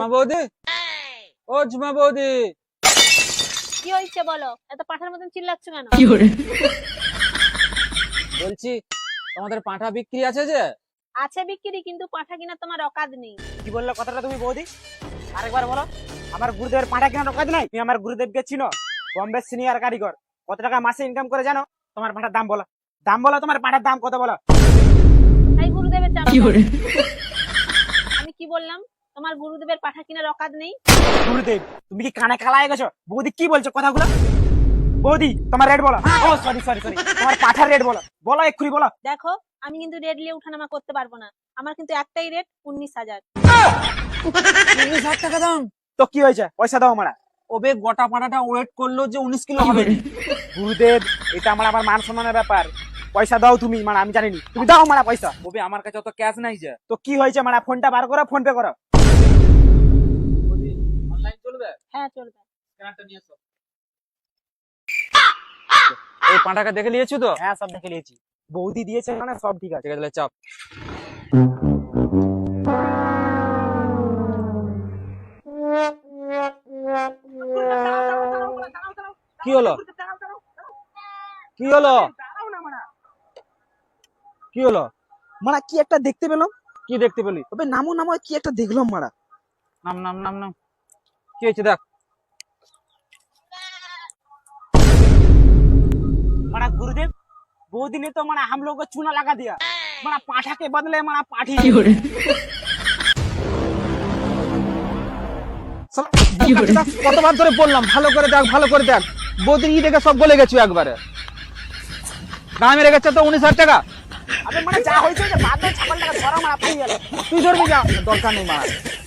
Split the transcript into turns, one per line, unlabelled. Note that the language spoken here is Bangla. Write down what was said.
ঝুমা বৌদি, ও ঝুমা বৌদি,
কি হয়েছে বলো? এত পাঠার মতন চিল্লাচ্ছ কেন?
বলছি তোমাদের পাঁঠা বিক্রি আছে যে?
আছে বিক্রি, কিন্তু পাঠা কিনা তোমার অকাদ নেই।
কি বললে কথাটা তুমি বৌদি? আরেকবার বলো। আমার গুরুদেবের পাঁঠা কেনার কাজ নাই? তুমি আমার গুরুদেবকে চিনো? বম্বে সিনিয়র কারিগর। কত টাকা মাসে ইনকাম করে জানো? তোমার পাঁঠার দাম বলো। দাম বলো, তোমার পাঁঠার দাম কত বলো?
তাই গুরুদেবের চাপ। আমি কি বললাম? তোমার গুরুদেবের পাঠা কিনার অকাদ নেই।
গুরুদেব, তুমি কি কানে কালা হয়ে গেছো? বৌদি কি বলছো কথাগুলো? বৌদি, তোমার রেট বলো। ও সরি সরি সরি, তোমার পাঁঠার রেট বলো, বলো এক্ষুনি বলো।
দেখো, আমি কিন্তু রেড নিয়ে উঠানামা করতে পারবো না। আমার কিন্তু একটাই রেট, 19,000।
19,000 টাকা দাম?
তো কি হয়েছে, পয়সা দাও মারা।
ওবে গোটা পাঁঠাটা ওয়েট করলো যে 19 কিলো হবে।
গুরুদেব, এটা আমার মান সম্মানের ব্যাপার। পয়সা দাও তুমি, মানে আমি জানিনি। তুমি দাও মারা পয়সা।
ওবে আমার কাছে অত ক্যাশ নাই যে।
তো কি হয়েছে মারা, ফোনটা বার করো, ফোন পে করো।
বৌদি অনলাইন চলবে?
হ্যাঁ চলবে।
স্ক্যানারটা নিয়ে এসো। এই পাঁঠাকে দেখে নিয়েছো তো?
হ্যাঁ সব দেখে নিয়েছি। বৌদি দিয়েছে মানে সব ঠিক আছে।
ঠিক আছে তাহলে চাপ। কি হলো? কি হলো? কি হলো?
মারা কি একটা দেখতে পেলাম।
কি দেখতে পেলি?
তবে নামো নামো, কি একটা দেখলাম মারা।
নাম নাম নাম নাম। কি হয়েছে দেখ।
माना गुरुदेव, बौदी ने तो माना हम लोग को चूना लगा दिया। माना पाठा के बदले माना पाठी।
কতবার ধরে বললাম ভালো করে দেখ, ভালো করে দেখ। বৌদির ই দেখে সব বলে গেছো একবারে। দাম মেরে গেছে তো 19,000 টাকা।
अबे माना जा होइছে যে বাদ দাও, ছাগল টাকা ধরা মারা পাই গেল।
তুই ধরবি যা, দরকার নেই মারা।